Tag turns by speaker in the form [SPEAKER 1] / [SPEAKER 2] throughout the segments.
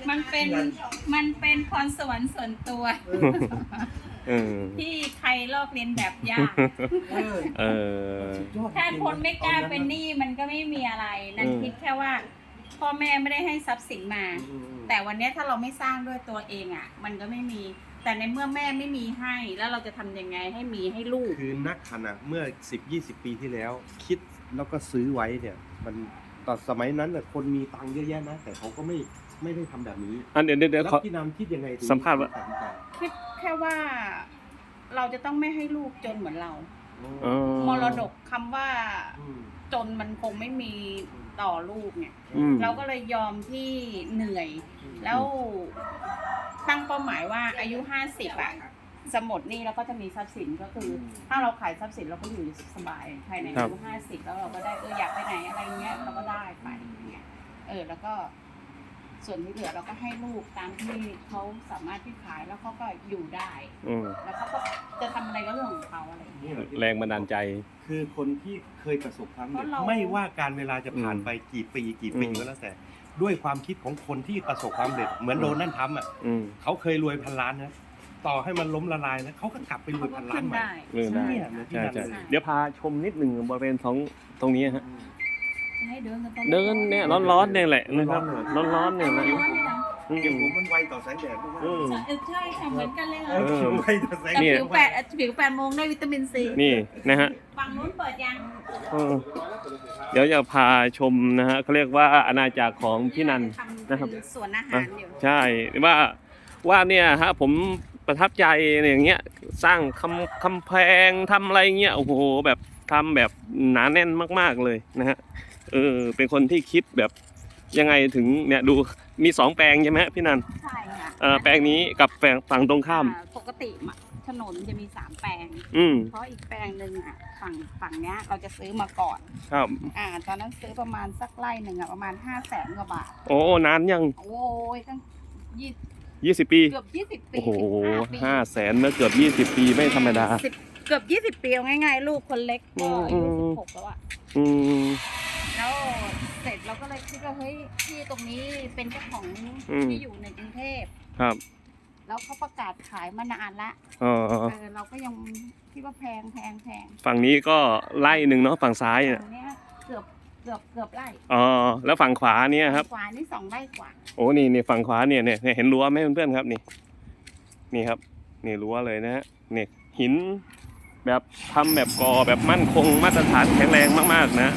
[SPEAKER 1] มันเป็นพรสวรรค์ส่วนตัวที่ใครลอกเลียนแบบยากถ้าคนไม่กล้าเป็นหนี้มันก็ไม่มีอะไรนั่นคิดแค่ว่าพ่อแม่ไม่ได้ให้ทรัพย์สินมาแต่วันนี้ถ้าเราไม่สร้างด้วยตัวเองอ่ะมันก็ไม่มีแต่ในเมื่อแม่ไม่มีให้แล้วเราจะทำยังไงให้มีให้ลูก
[SPEAKER 2] คือนักขณะเมื่อ10-20 ปีที่แล้วคิดแล้วก็ซื้อไว้เนี่ยมันตอนสมัยนั้นน่ะคนมีตังค์เยอะแยะนะแต่เขาก็ไม่ได้ทำแบบนี้
[SPEAKER 3] เดี๋ยว
[SPEAKER 2] แล้วพี่นำคิดยังไง
[SPEAKER 3] สัมภาษณ์ว่า
[SPEAKER 1] คิดแค่ว่าเราจะต้องไม่ให้ลูกจนเหมือนเรามรดกคำว่าจนมันคงไม่มีต่อลูกเนี่ยเราก็เลยยอมที่เหนื่อยแล้วตั้งเป้าหมายว่าอายุ50อ่ะสมดนี่เราก็จะมีทรัพย์สินก็คือถ้าเราขายทรัพย์สินเราก็อยู่สบายภายในอายุ50แล้วเราก็ได้อยากไปไหนอะไรเงี้ยเราก็ได้ไปเงี้ยแล้วก็ส่วนที่เหลือเราก็ให้ลูกตามที่เขาสามารถที่ขายแล้วเขาก็อยู่ได้แล้วเขาก็จะทำอะไรก็เรื่องของเขาอะไรอย่างเงี้ย
[SPEAKER 3] แรงบันดาลใจ
[SPEAKER 2] คือคนที่เคยประสบความสำเร็จไม่ว่าการเวลาจะผ่านไปกี่ปีก็แล้วแต่ด้วยความคิดของคนที่ประสบความสำเร็จเหมือนโดนัลด์ทรัมป์อ่ะเขาเคยรวยพันล้านนะต่อให้มันล้มละลายนะเขาก็กลับไปรวยพันล้านใหม่
[SPEAKER 3] ใช่เดี๋ยวพาชมนิดหนึ่งบริเวณตรงนี้ฮะเดินเนี่ยร้อนๆเนี่ยแหละนะครับร้อนๆเนี่ยนะ
[SPEAKER 2] เดี๋ยวผมมันไวต่อแสงแดด
[SPEAKER 1] ใช่ค่ะเหมือนกันเลยค่ะ
[SPEAKER 2] ไวต่อแสง
[SPEAKER 1] แดดผิว8 โมงได้วิตามินซี
[SPEAKER 3] นี่นะฮะ
[SPEAKER 1] ฝั่งนู้นเปิดยัง
[SPEAKER 3] เดี๋ยวจะพาชมนะฮะเขาเรียกว่าอาณาจักรของพี่นันนะครับ
[SPEAKER 1] สวนอาหารอยู่
[SPEAKER 3] ใช่ว่าเนี่ยฮะผมประทับใจอย่างเงี้ยสร้างคำแพงทำอะไรเงี้ยโอ้โหแบบทำแบบหนาแน่นมากๆเลยนะฮะเป็นคนที่คิดแบบยังไงถึงเนี่ยดูมี2 แปลงใช่ไหมพี่นัน
[SPEAKER 1] ใช่ค่ะ
[SPEAKER 3] แปลงนี้กับฝั่งตรงข้าม
[SPEAKER 1] ปกติถนนจะมี3 แปลงเพราะอีกแปลงหนึ่งอ่ะฝั่งเนี้ยเราจะซื้อมาก่อน
[SPEAKER 3] ครับ
[SPEAKER 1] ตอนนั้นซื้อประมาณสักไร่หนึ่งอ่ะประมาณ500,000 กว่าบาท
[SPEAKER 3] โอ้นานยัง
[SPEAKER 1] โอ้ยตั้ง
[SPEAKER 3] 20 ปี
[SPEAKER 1] เกือบ20 ปี
[SPEAKER 3] โอ้โห500,000แล้วเกือบ20 ปีไม่ธรรมดา
[SPEAKER 1] เกือบ20 ปีเอาง่ายๆลูกคนเล็กก็อายุ16แล้วอ่ะแล้วเสร็จเราก็เลยคิดว่าเฮ้ยที่ตรงนี้เป็นเจ้าของที่อยู่ในกรุงเทพ
[SPEAKER 3] ครับ
[SPEAKER 1] แล้วเขาประกาศขายมานานละเราก็ยังคิดว่าแพง
[SPEAKER 3] ฝั่งนี้ก็ไร่หนึ่งเนาะฝั่งซ้ายเนี่ย
[SPEAKER 1] เกือบไร่
[SPEAKER 3] แล้วฝั่งขวาเนี่ยครับ
[SPEAKER 1] ขวานี่2 ไร่กว่า
[SPEAKER 3] โอ้นี่ฝั่งขวาเนี่ยเห็นรั้วไหมเพื่อนๆครับนี่ครับนี่รั้วเลยนะฮะนี่หินแบบทำแบบก่อแบบมั่นคงมาตรฐานแข็งแรงมากๆนะ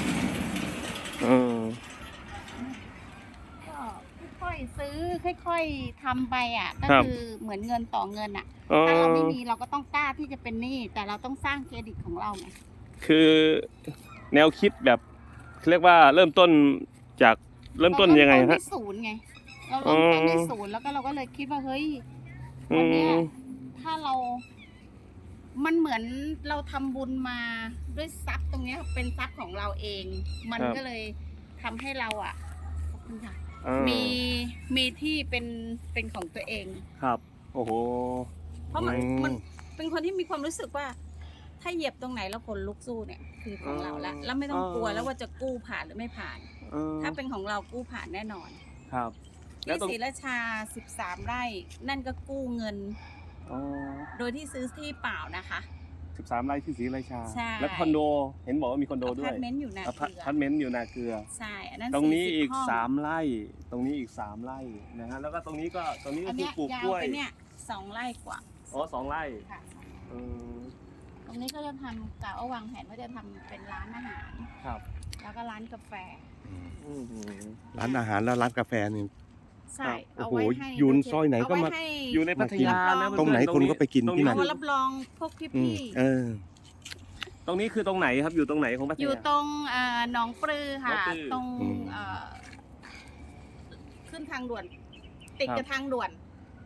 [SPEAKER 1] ก็ค่อยๆซื้อค่อยๆทำไปอ่ะก็คือเหมือนเงินต่อเงินอ่ะถ้าเราไม่มีเราก็ต้องกล้าที่จะเป็นหนี้แต่เราต้องสร้างเครดิตของเราไง
[SPEAKER 3] คือแนวคิดแบบเรียกว่าเริ่มต้นยังไงฮะ
[SPEAKER 1] ศูนย์ไงเราเริ่มต้นในศูนย์แล้วก็เราก็เลยคิดว่าเฮ้ยวันนี้ถ้ามันเหมือนเราทำบุญมาด้วยทรัพย์ตรงนี้เป็นทรัพย์ของเราเองมันก็เลยทำให้เราอ่ะขอบคุณค่ะมีที่เป็นของตัวเอง
[SPEAKER 3] ครับโอ้โห
[SPEAKER 1] เพราะมันเป็นคนที่มีความรู้สึกว่าถ้าเหยียบตรงไหนแล้วคนลุกสู้เนี่ยคือของเราแล้วไม่ต้องกลัวแล้วว่าจะกู้ผ่านหรือไม่ผ่านถ้าเป็นของเรากู้ผ่านแน่นอน
[SPEAKER 3] ครับ
[SPEAKER 1] ที่ศรีราชา13 ไร่นั่นก็กู้เงินโดยที่ซื้อที่เปล่านะคะ
[SPEAKER 3] 13 ไร่ที่ศรีราชาแล้วคอนโดเห็นบอกว่ามีคอนโดด้วย
[SPEAKER 1] อพาร์ตเมนต์อยู่นาเกลือ
[SPEAKER 3] อพาร์ตเมนต์อยู่นาเกลือ
[SPEAKER 1] ใช่อันนั้น
[SPEAKER 3] ตรงนี้อีก3 ไร่ตรงนี้อีก3 ไร่นะฮะแล้วก็ตรงนี้ก็คือปลูกกล้วย
[SPEAKER 1] เนี่ย2 ไร่กว่า
[SPEAKER 3] 2 ไร่
[SPEAKER 1] ค่ะตรงนี้ก็จะทำกะวางแผนว่าจะทำเป็นร้านอาหาร
[SPEAKER 3] ครับ
[SPEAKER 1] แล้วก็ร้านกาแฟ
[SPEAKER 2] ร้านอาหารแล้วร้านกาแฟนี่
[SPEAKER 1] ใช่
[SPEAKER 2] โอ้โหยูนซอยไหนก็มา
[SPEAKER 3] อยู่ในพัทยานะ
[SPEAKER 2] ตรงไหนคนก็ไปกินที่นั่น
[SPEAKER 1] รับรองพวกพี่
[SPEAKER 3] ตรงนี้คือตรงไหนครับอยู่ตรงไหนของพัทยา
[SPEAKER 1] อยู่ตรงหนองปลือค่ะตรงขึ้นทางด่วนติดกับทางด่วน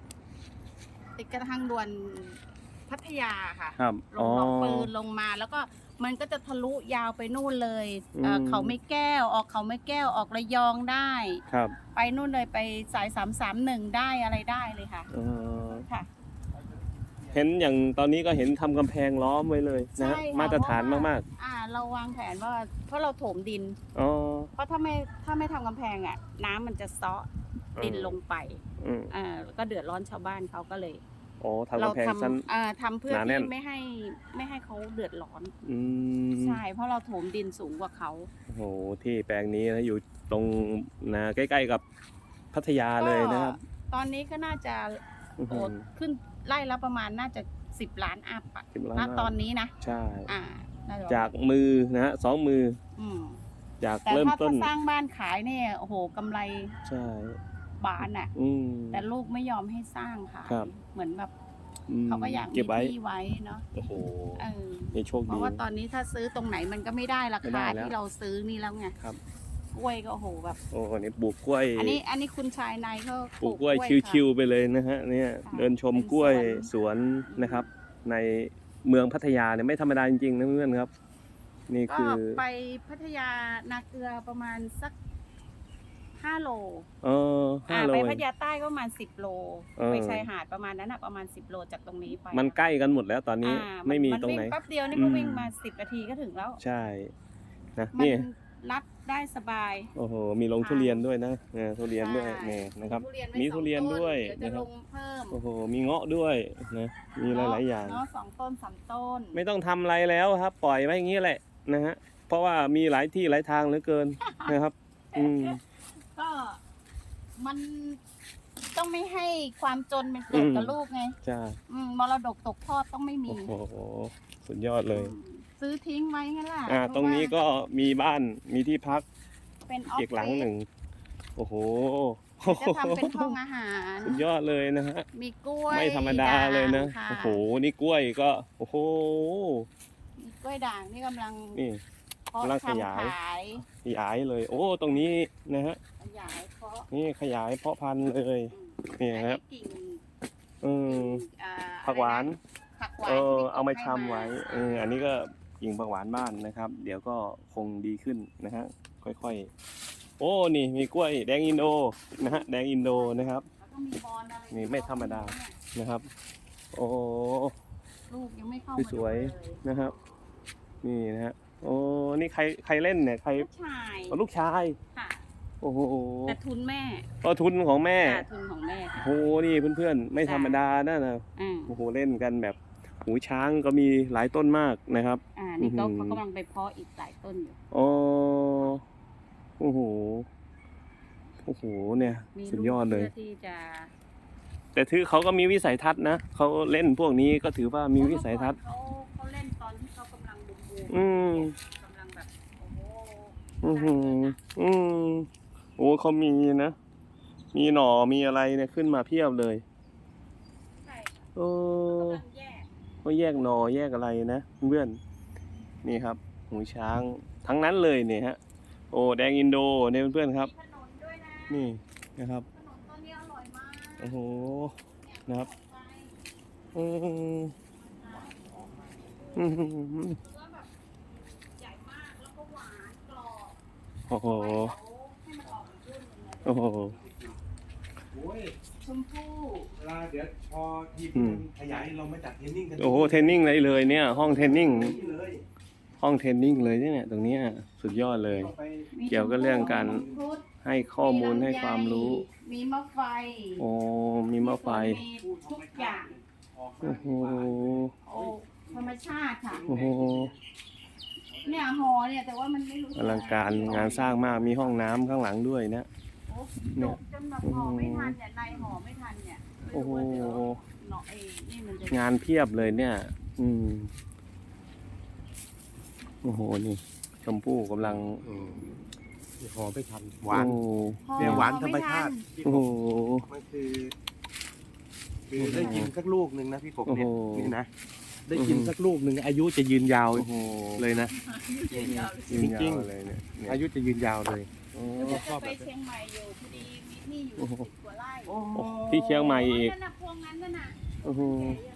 [SPEAKER 1] พัทยาค่ะลงหนองปลือลงมาแล้วก็มันก็จะทะลุยาวไปนู่นเลยเขาไม่แก้วออกระยองได้ไปนู่นเลยไปสาย331ได้อะไรได้เลยค่ะค่ะ
[SPEAKER 3] เห็นอย่างตอนนี้ก็เห็นทำกำแพงล้อมไว้เลยนะมาตรฐานมาก
[SPEAKER 1] ๆเราวางแผนว่าเพราะเราโถมดินเพราะถ้าไม่ทำกำแพงอ่ะน้ำมันจะเซาะดินลงไป
[SPEAKER 3] อืม
[SPEAKER 1] แล้วก็เดือดร้อนชาวบ้านเขาก็เลย
[SPEAKER 3] อ๋อทำกำแพงสั้น
[SPEAKER 1] ทำเพื่อ
[SPEAKER 3] หนาแน่น
[SPEAKER 1] ที่ไม่ให้เขาเดือดร้อน
[SPEAKER 3] อืม
[SPEAKER 1] ใช่เพราะเราถมดินสูงกว่าเขา
[SPEAKER 3] โอ้โหที่แปลงนี้นะอยู่ตรงนาใกล้ๆกับพัทยาเลยนะครับ
[SPEAKER 1] ตอนนี้ก็น่าจะ
[SPEAKER 3] อื้อหือ
[SPEAKER 1] ขึ้นไล่ละประมาณน่าจะ10 ล้านอัพอะ
[SPEAKER 3] 10 ล้าน
[SPEAKER 1] ณ
[SPEAKER 3] อัพ
[SPEAKER 1] ตอนนี้นะ
[SPEAKER 3] ใช่
[SPEAKER 1] น่าจะ
[SPEAKER 3] จากมือนะฮะ2 มือ
[SPEAKER 1] อืม
[SPEAKER 3] จาก
[SPEAKER 1] แต่
[SPEAKER 3] เริ่ม
[SPEAKER 1] ถ้า
[SPEAKER 3] ต้น
[SPEAKER 1] สร้างบ้านขายเนี่ยโอ้โหกำไร
[SPEAKER 3] ใช่
[SPEAKER 1] บานอะ
[SPEAKER 3] อืม
[SPEAKER 1] แต่ลูกไม่ยอมให้สร้างค่ะ
[SPEAKER 3] ครับ
[SPEAKER 1] เหมือนแบบ
[SPEAKER 3] อืม
[SPEAKER 1] เขาก็อยากมี
[SPEAKER 3] เก็บไว้
[SPEAKER 1] ที่ไว้เนาะ
[SPEAKER 3] โอ้โห
[SPEAKER 1] เออ
[SPEAKER 3] นี่โชค
[SPEAKER 1] เพ
[SPEAKER 3] ดี
[SPEAKER 1] ราะว่าตอนนี้ถ้าซื้อตรงไหนมันก็ไม่ได้รา
[SPEAKER 3] ไม่ได้
[SPEAKER 1] คา
[SPEAKER 3] แล้ว
[SPEAKER 1] ที่เราซื้อนี่แล้วไง
[SPEAKER 3] ครับ
[SPEAKER 1] กล้วยก็โอ้โหแบบ
[SPEAKER 3] โอ้โหนี่ปลูกกล้วย
[SPEAKER 1] อันนี้คุณชายนายเขา
[SPEAKER 3] ปลูกกล้วย
[SPEAKER 1] ค่ะ
[SPEAKER 3] ชิวๆไปเลยนะฮะเนี่ยเดินชมกล้วยสวนนะครับ ในเมืองพัทยาเนี่ยไม่ธรรมดาจริงๆนะเพื่อนๆครับ นี่
[SPEAKER 1] ก็
[SPEAKER 3] คือ
[SPEAKER 1] ไปพัทยานาเกลือประมาณสัก5 โล
[SPEAKER 3] 5 โล
[SPEAKER 1] ไป
[SPEAKER 3] เอง
[SPEAKER 1] พัทยาใต้ก็ประมาณ10 โล
[SPEAKER 3] เออ
[SPEAKER 1] ไปชายหาดประมาณนั้นอะประมาณ10 โลจากตรงนี้ไป
[SPEAKER 3] มันใกล้กันหมดแล้วตอนนี้ ไม่มีตรงไหน
[SPEAKER 1] วิ่งแป๊บเดียวนี่ก็
[SPEAKER 3] อืม
[SPEAKER 1] วิ่งมา10 นาทีก็ถึงแล้ว
[SPEAKER 3] ใช่นะ
[SPEAKER 1] มัน
[SPEAKER 3] นี่
[SPEAKER 1] รัดได้สบาย
[SPEAKER 3] โอ้โหมีลงทุเรียนด้วยนะทุเรียนด้วย
[SPEAKER 1] ใช่
[SPEAKER 3] นี่นะครับ
[SPEAKER 1] ทุเรียนไว้
[SPEAKER 3] มี
[SPEAKER 1] 2
[SPEAKER 3] ทุเรียน
[SPEAKER 1] ต้
[SPEAKER 3] ด้วย
[SPEAKER 1] เดี๋ยวจะ
[SPEAKER 3] นะค
[SPEAKER 1] ล
[SPEAKER 3] รับ
[SPEAKER 1] งเพิ่ม
[SPEAKER 3] โอ้โหมีเงาะด้วยนะมีหลายๆอย่าง
[SPEAKER 1] เนาะ2 ต้น 3 ต้น
[SPEAKER 3] ไม่ต้องทำอะไรแล้วครับ ปล่อยไว้อย่างนี้แหละนะฮะเพราะว่ามีหลายที่หลายทางเหลือเกิน นะครับ อืม
[SPEAKER 1] ก็มันต้องไม่ให้ความจนเป็นเกิดกับลูกไง
[SPEAKER 3] ใช่
[SPEAKER 1] มรดกตกทอดต้องไม่มี
[SPEAKER 3] โอ้โหสุดยอดเลย
[SPEAKER 1] ซื้อทิ้งไว้งั้นล่ะ
[SPEAKER 3] ตรงนี้ก็มีบ้านมีที่พัก
[SPEAKER 1] เป็นออฟ
[SPEAKER 3] อีกหลังหนึ่งโอ้โห
[SPEAKER 1] จะทำเป็นห้องอาหาร
[SPEAKER 3] สุดยอดเลยนะฮะ
[SPEAKER 1] มีกล้วย
[SPEAKER 3] ไม่ธรรมดาเลยนะ
[SPEAKER 1] ด่างค่
[SPEAKER 3] โอ้โหนี่กล้วยก็โอ้โห
[SPEAKER 1] มีกล้วยด่างนี่กำลัง
[SPEAKER 3] นี่
[SPEAKER 1] เพาะ
[SPEAKER 3] กำลังข
[SPEAKER 1] ทำ
[SPEAKER 3] ยาย
[SPEAKER 1] ขาย
[SPEAKER 3] ขยายเลย โอ้ตรงนี้นะฮะ
[SPEAKER 1] ขยายเพาะ
[SPEAKER 3] นี่ขยายเพาะพันธุ์เลย นี่
[SPEAKER 1] อัน
[SPEAKER 3] ครับ
[SPEAKER 1] นี้กิ่ง
[SPEAKER 3] อืม
[SPEAKER 1] อ่า
[SPEAKER 3] ผักหวาน
[SPEAKER 1] ผักหวาน
[SPEAKER 3] เอา
[SPEAKER 1] ที่
[SPEAKER 3] มา
[SPEAKER 1] ให้
[SPEAKER 3] ชำไว้อันนี้ก็กิ่งผักหวานบ้านนะครับ เดี๋ยวก็คงดีขึ้นนะฮะค่อยๆ โอ้นี่มีกล้วยแดงอินโดนะฮะแดงอินโดนะครับ
[SPEAKER 1] แล้วก็มีบอลอะไร
[SPEAKER 3] นี่ไม่ธรรมดา นะครับ โอ้
[SPEAKER 1] ลูกยังไม่เข้า
[SPEAKER 3] สวย
[SPEAKER 1] มาดูเลย
[SPEAKER 3] นะครับ นี่นะฮะโอ้นี่ใครเล่นเนี่ยใคร
[SPEAKER 1] ลูกชาย
[SPEAKER 3] ลูกชาย
[SPEAKER 1] ค่ะ
[SPEAKER 3] โอ้โห
[SPEAKER 1] แต่ทุนแม่
[SPEAKER 3] ก็ทุนของแม่
[SPEAKER 1] ค่ะทุนของแม่ค่ะ
[SPEAKER 3] โอ้โหนี่เพื่อนๆไม่ธรรมดานะนะ
[SPEAKER 1] อ่า
[SPEAKER 3] โอ้โหเล่นกันแบบหูช้างก็มีหลายต้นมากนะครับ
[SPEAKER 1] นี่ก็
[SPEAKER 3] อื้อหือ
[SPEAKER 1] เขากำลังไปเพาะอีกหลายต้นอยู่
[SPEAKER 3] อ๋อโอ้โหโอ้โหเนี่ย
[SPEAKER 1] มี
[SPEAKER 3] สุดยอดเลย
[SPEAKER 1] กพื่ที่จะ
[SPEAKER 3] แต่ถือเขาก็มีวิสัยทัศน์นะเขาเล่นพวกนี้ก็ถือว่ามีวิสัยทัศน์
[SPEAKER 1] เขาเล่นตอนที่เขากำลังบูม
[SPEAKER 3] อืม
[SPEAKER 1] กำลังแบบโอ้โห
[SPEAKER 3] อือหืออืมโอ้เขามีนะ มีหน่อมีอะไรเนี่ยขึ้นมาเพียบเลย
[SPEAKER 1] ใช่ค่ะ
[SPEAKER 3] โอ้
[SPEAKER 1] กำลังแยก
[SPEAKER 3] เขาแยกหน่อแยกอะไรนะเพื่อนนี่ครับ หูช้างทั้งนั้นเลยเนี่ยฮะ โอ้แดงอินโดเนี่ยเพื่อนๆครับ
[SPEAKER 1] มีขนมด้วยนะ
[SPEAKER 3] นี่นะครับ
[SPEAKER 1] ขนมต้นนี้อร่อยมาก
[SPEAKER 3] โอ้โห
[SPEAKER 1] เนี่ย
[SPEAKER 3] นะครับ
[SPEAKER 1] ไป
[SPEAKER 3] อืมอืม
[SPEAKER 1] เนื้อแบบใหญ่มากแล้วก็หวานกรอบ
[SPEAKER 3] โอ้โห
[SPEAKER 1] ให้มันออกอีกรุ่นหนึงเลย
[SPEAKER 3] โอ้โห
[SPEAKER 2] โอ้ย
[SPEAKER 1] ชมพู่
[SPEAKER 2] เวลาเดี๋ยวพอที
[SPEAKER 3] อืม
[SPEAKER 2] ขยายเรามาจัดเทรนนิ่งกัน
[SPEAKER 3] โอ้โหเทรนนิ่งเลยเนี่ย ห้องเทรนนิ่ง
[SPEAKER 2] นี่เลย
[SPEAKER 3] ห้องเทรนนิ่งเลยเนี่ยตรงเนี้ยสุดยอดเลย
[SPEAKER 2] ต่อไป
[SPEAKER 1] มี
[SPEAKER 3] เกี่ยวกับเรื่องการ
[SPEAKER 1] มังคุด
[SPEAKER 3] ให้ข้อมูลให้ความรู้
[SPEAKER 1] มีมะไฟ
[SPEAKER 3] โอ้มีมะไฟ
[SPEAKER 1] มีทุกอย่าง
[SPEAKER 2] ออก
[SPEAKER 3] โอ้โห
[SPEAKER 1] โอ้ธรรมชาติค่ะ
[SPEAKER 3] โอ้โห
[SPEAKER 1] เนี่ยหอเนี่ยแต่ว่ามันไม่รู้
[SPEAKER 3] อลังการงานสร้างมากมีห้องน้ำข้างหลังด้วยนะ
[SPEAKER 1] โอ้ดกจนแบบหอไม่ทันเนี่ยในหอไม่ทันเนี่ยไม่
[SPEAKER 3] โอ้โห
[SPEAKER 1] รู้ว่าเดี๋ยวเนาะนี่มันจะ
[SPEAKER 3] งานเพียบเลยเนี่ย อืมโอ้โหนี่ชมพู่กำลัง
[SPEAKER 2] หอมไม่ทันหวาน
[SPEAKER 3] โอ้
[SPEAKER 2] เนี่ยหวานธรรมชาติ
[SPEAKER 3] โอ้โห
[SPEAKER 2] มันคือได้กินสักลูกหนึ่งนะพี่กบเนี่ย
[SPEAKER 3] โอ้โห
[SPEAKER 2] นี่นะได้กินสักลูกหนึ่งอายุจะยืนยาว
[SPEAKER 3] โอ้โห
[SPEAKER 2] เลยนะ
[SPEAKER 1] จริง
[SPEAKER 3] ยืนยาว
[SPEAKER 2] จริง
[SPEAKER 3] เลยเนี่ยเนี่ย
[SPEAKER 2] อายุจะยืนยาวเลย
[SPEAKER 3] โอ้
[SPEAKER 1] ๆจะไปเชียงใหม่อยู่พอดีมีที่อยู่
[SPEAKER 3] โอ้โห
[SPEAKER 1] 10 กว่าไร่
[SPEAKER 3] โอ้ที่เชียงใหม่อีก
[SPEAKER 1] นั่นน่ะพวงนั้นน่ะ
[SPEAKER 3] โอ้โห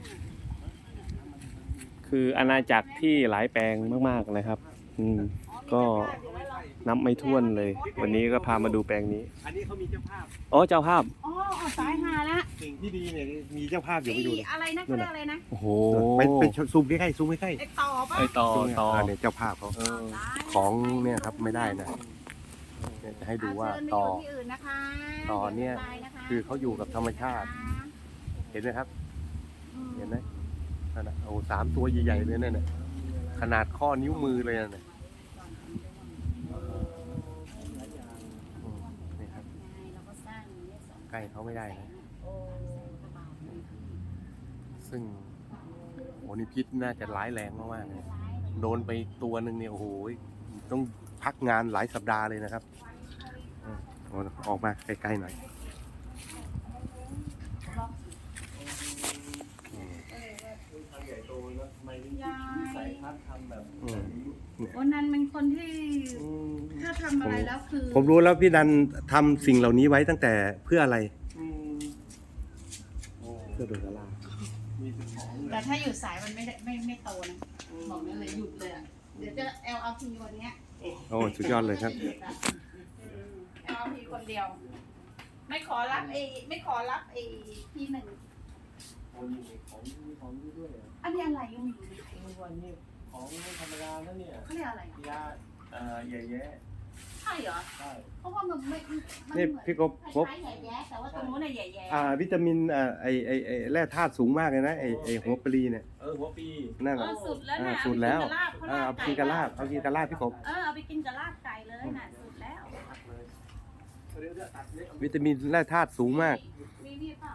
[SPEAKER 3] คืออาณาจักรที่หลายแปลงมากๆเลยครับ อืม ก็ นับไม่ถ้วนเลย วันนี้ก็พามาดูแปลงนี้
[SPEAKER 2] อันนี้เขามีเจ้าภาพ
[SPEAKER 3] อ๋อเจ้าภาพ
[SPEAKER 1] อ๋อสายหาละ
[SPEAKER 2] สิ่งที่ดีเนี่ยมีเจ้าภาพอยู่ไปดูเลย
[SPEAKER 1] อะไรนะเขาเรียกอะไรนะ
[SPEAKER 3] โอ้โห
[SPEAKER 2] ไปซูมใกล้ๆซูมใกล้
[SPEAKER 1] ไอต่อปะ
[SPEAKER 3] ไอต่อ
[SPEAKER 2] ๆ
[SPEAKER 3] ต่อ
[SPEAKER 2] เนี่ยเจ้าภาพเขา
[SPEAKER 3] เออ
[SPEAKER 2] ของเนี่ยครับไม่ได้นะเนี่ยจะให้ดูว่า
[SPEAKER 1] เชิญไป
[SPEAKER 2] ต่อ
[SPEAKER 1] ยู่ที่อื่นนะคะ
[SPEAKER 2] ต่อเนี่ย
[SPEAKER 1] ดี๋วจะตะะ
[SPEAKER 2] คือเขาอยู่กับธรรมชาติ เห็นไหมครับ
[SPEAKER 1] อืม
[SPEAKER 2] เห็นไหมนั่นน่ะโอ้3 ตัวใหญ่ๆเลยนั่นน่ะขนาดข้อนิ้วมือเลยนั่นน่ะนี่ครับ
[SPEAKER 1] เราก็สร้างเนี่ยสอง
[SPEAKER 2] ใกล้เขาไม่ได้นะ
[SPEAKER 1] โอ้กระเป๋าพื้นที่
[SPEAKER 2] ซึ่งโอ้นี่พิษน่าจะร้ายแรงมากๆเลยโดนไปตัวหนึ่งเนี่ยโอ้โหต้องพักงานหลายสัปดาห์เลยนะครับออกมาใกล้ๆหน่อย
[SPEAKER 1] วันนั้นเป็นคนที่ถ้าทำอะไรแล้วคือ
[SPEAKER 2] ผมรู้แล้วพี่ดันทำสิ่งเหล่านี้ไว้ตั้งแต่เพื่ออะไรเพื่อโดนกระลา
[SPEAKER 1] แต่ถ้าอยู่สายมันไม่โตนะบอกได้เลยหยุดเลยอะเดี๋ยวจะ LRT วันเนี้ย
[SPEAKER 2] โอ้สุดยอดเลยครับ
[SPEAKER 1] LRT คนเดียว ไม่ขอรับที่หนึ่งอันนี้อะไรยังไม่รู้เลย
[SPEAKER 3] วันนี้ของธรรมดาแล้วเนี่ย
[SPEAKER 1] เขาเรียกอะไรอะ
[SPEAKER 3] ยาแย่
[SPEAKER 1] ใช่เหรอ
[SPEAKER 3] ใช่
[SPEAKER 1] เพราะว่ามันไม่มัน
[SPEAKER 2] นี่
[SPEAKER 1] เหมือน
[SPEAKER 2] พี่กบ
[SPEAKER 1] คล้ายๆใหญ่แย้แต่ว่าตรงนู้นน่ะใหญ่แย้
[SPEAKER 2] วิตามินไอแร่ธาตุสูงมากเลยนะไอหัวปลีเนี่ย
[SPEAKER 3] หัวปี
[SPEAKER 2] นั่น
[SPEAKER 1] เอ
[SPEAKER 2] แหละ
[SPEAKER 1] อสุดแล้วนะ
[SPEAKER 2] สุดแล้ว
[SPEAKER 1] เอาไปกินกับลาบ
[SPEAKER 2] เอากินกระลาบพี่กบ
[SPEAKER 1] เอาไปกินกับลาบไก่เลยน่ะสุดแล้ว
[SPEAKER 2] วิตามินแร่ธาตุสูงมาก
[SPEAKER 1] มีนี่เปล่า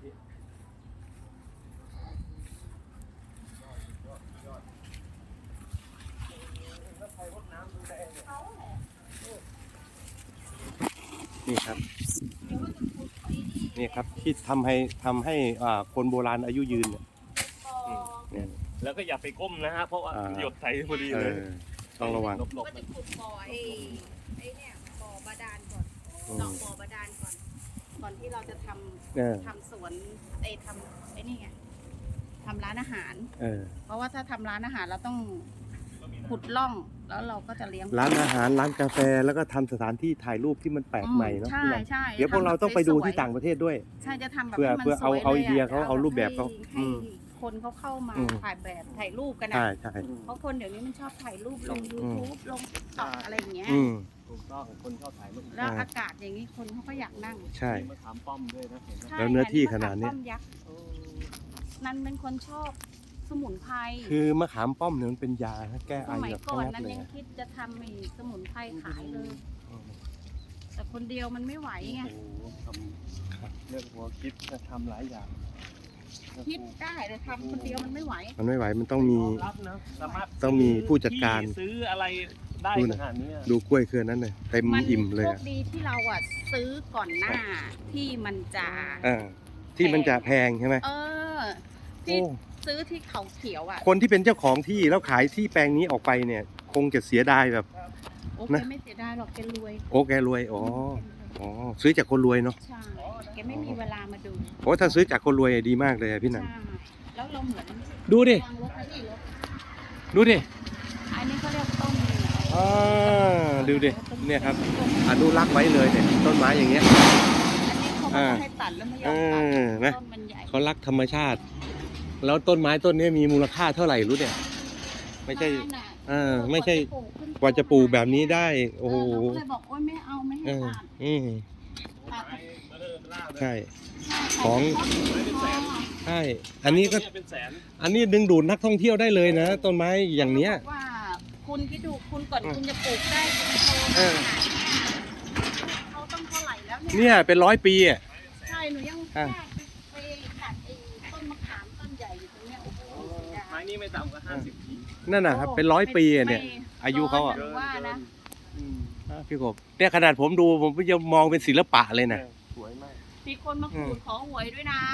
[SPEAKER 2] นี่ครับ นี่ครับที่ทำให้คนโบราณอายุยืนเนี่ย
[SPEAKER 3] แล้วก็อย่าไปก้มนะฮะเพราะว่าหยดใส่พอดีเลย
[SPEAKER 2] ต้องระวัง
[SPEAKER 3] หลบ
[SPEAKER 1] ก็จะขุดบ่อไอ้เนี่ยบ่อบาดาลก่อนเจาะบ่อบาดาลก่อนที่เราจะทำสวนทำไอ้นี่ไงทำร้านอาหารเพราะว่าถ้าทำร้านอาหารเราต้องขุดร่องแล้วเราก็จะเลี้ยง
[SPEAKER 2] ร้านอาหารร้านกาแฟแล้วก็ทำสถานที่ถ่ายรูปที่มันแปลกใหม่เนาะ
[SPEAKER 1] ใช่ใช่
[SPEAKER 2] เดี๋ยวพวกเราต้องไปดูที่ต่างประเทศด้วย
[SPEAKER 1] ใช่จะทำแบบ
[SPEAKER 2] เพื่อ
[SPEAKER 1] ให้มันสวย
[SPEAKER 2] เอา
[SPEAKER 1] ล
[SPEAKER 2] ไอเดียเขาเอารูปแบบเขา
[SPEAKER 1] ให้คนเขาเข้ามาถ่ายแบบถ่ายรูปกันนะ
[SPEAKER 2] ใช่ใช่
[SPEAKER 1] เพราะคนเดี๋ยวนี้มันชอบถ่ายรูปลง YouTube ลงTikTok อะไรอย่างเงี้ย
[SPEAKER 3] ถูกต้องคนชอบถ่ายรูป
[SPEAKER 1] แล้วอากาศอย่างนี้คนเขาก็อยากนั่ง
[SPEAKER 2] ใช่
[SPEAKER 3] มะขามป้อมด้วยนะเห็นไหม
[SPEAKER 1] ใช่
[SPEAKER 2] แล้วเนื้อที่ขนาดเนี้ย
[SPEAKER 1] มะขมป้อมยักษ์นันเป็นคนชอบสมุนไพร
[SPEAKER 2] คือมะขามป้อมเนี่ยมันเป็นยาแก้
[SPEAKER 1] ส
[SPEAKER 2] ไอ
[SPEAKER 1] มัย
[SPEAKER 2] แบบ
[SPEAKER 1] ก่อน
[SPEAKER 2] งัด
[SPEAKER 1] นั้น
[SPEAKER 2] เลย
[SPEAKER 1] ยังคิดจะทำไอ้สมุนไพรขายเลย แต่คนเดียวมันไม่ไหวไง
[SPEAKER 3] โอ้โหทำเรื่องหัวคิดจะทำหลายอย่าง
[SPEAKER 1] คิดได้แต่ทำคนเดียวมันไม่ไหว
[SPEAKER 2] มันไม่ไหวมันต้องมี
[SPEAKER 3] รับนะสามารถ
[SPEAKER 2] ต้องมีผู้จัดการ
[SPEAKER 3] ซื้ออะไรได้
[SPEAKER 2] ดู
[SPEAKER 3] ข
[SPEAKER 2] นะ
[SPEAKER 3] นาดนี้
[SPEAKER 2] ดูกล้วยเครือนั้นเลยเต็ม
[SPEAKER 1] มัน
[SPEAKER 2] อิ่มเลย
[SPEAKER 1] โช
[SPEAKER 2] อะ
[SPEAKER 1] คดีที่เราอ่ะซื้อก่อนหน้าที่มันจะ
[SPEAKER 2] ที่มันจะแพงใช่ไหม
[SPEAKER 1] ที่
[SPEAKER 2] โอ้
[SPEAKER 1] ซื้อที่เขาเขียวอ่ะ
[SPEAKER 2] คนที่เป็นเจ้าของที่แล้วขายที่แปลงนี้ออกไปเนี่ย คงจะเสียดายแบบ
[SPEAKER 1] โอเค
[SPEAKER 2] นะ
[SPEAKER 1] ไม่เสียดายหรอกแกรวย
[SPEAKER 2] โอ้แกรวยอ๋อซื้อจากคนรวยเนาะ
[SPEAKER 1] ใช่แกไม่มีเวลามาดู
[SPEAKER 2] โอ้ถ้าซื้อจากคนรวยดีมากเลยอะพี่นัน
[SPEAKER 1] ใช่แล้วเราเหมือน
[SPEAKER 2] ดูดิ
[SPEAKER 1] วางรถไว้ที่รถ
[SPEAKER 2] ดูดิ
[SPEAKER 1] อันนี้เขาเรียกต้น
[SPEAKER 2] ดูดิเนี่ยครับอนุรักษ์ไว้เลยเนี่ยต้นไม้อย่างเงี้ย
[SPEAKER 1] อันนี้เขาไม่ให้ตัดแล้วไม่ยอมตัด
[SPEAKER 2] นะ
[SPEAKER 1] ต้นมันใหญ่
[SPEAKER 2] เขารักธรรมชาติ แล้วต้นไม้ต้นนี้มีมูลค่าเท่าไหร่รู้เนี่ยไม่ใช่ ไม่ใช่กว่าจะปลูกแบบนี้ได้โอ้โห
[SPEAKER 1] เราก็เลยบอกโอ๊ยไม่เอาไม่ให้ตัดตัด
[SPEAKER 2] ใช่ของ ใช่อันนี้ก็
[SPEAKER 3] เป็นแสน
[SPEAKER 2] อันนี้ดึงดูดนักท่องเที่ยวได้เลยนะต้นไม้อย่างเนี้ย
[SPEAKER 1] บอกว่าคุณคิดดูคุณก่อนคุณจะปลูกได้คุณโต
[SPEAKER 2] เออ
[SPEAKER 1] เขาต้องเท่าไหร่แล้วเนี่ย
[SPEAKER 2] เนี่ยเป็น100 ปีอ่ะ
[SPEAKER 1] ใช่หนูยังไปตัดไอ้ต้นมะขามต้นใหญ่อยู่ตรงเนี้ยโอ้โหเสียดาย
[SPEAKER 3] ไม้นี้ไม่ต่ำกว่า50 ปี
[SPEAKER 2] นั่นน่ะครับเป็น100 ปีอะเนี่ย อายุเขาอ่ะ
[SPEAKER 1] หนูว่านะ
[SPEAKER 2] พี่กบเนี่ยขนาดผมดูผมก็ยังมองเป็นศิลปะเลยนะ
[SPEAKER 3] สวยมาก
[SPEAKER 1] มีคนมาขูดขอหวยด้วยนะ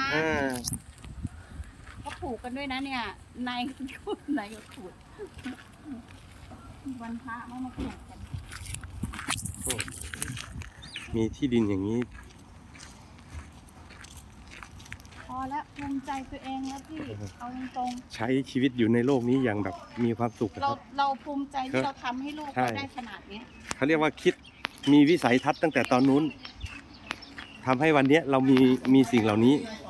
[SPEAKER 1] เขาปลูกกันด้วยนะเนี่ยนายขูดนายก็ขูดวันพระมาขูดกัน
[SPEAKER 2] มีที่ดินอย่างนี้
[SPEAKER 1] พอแล้วภูมิใจตัวเองแล้วพี่เอาตรง
[SPEAKER 2] ใช้ชีวิตอยู่ในโลกนี้อย่างแบบมีความสุข
[SPEAKER 1] ๆ
[SPEAKER 2] นะ
[SPEAKER 1] เรา
[SPEAKER 2] ครับ
[SPEAKER 1] เราภูมิใจที่เราทำให้ลูก
[SPEAKER 2] ใช่
[SPEAKER 1] เราได้ขนาดเนี้ย
[SPEAKER 2] เขาเรียกว่าคิดมีวิสัยทัศน์ตั้งแต่ตอนนู้นทำให้วันนี้เรามีสิ่งเหล่านี้
[SPEAKER 1] ใ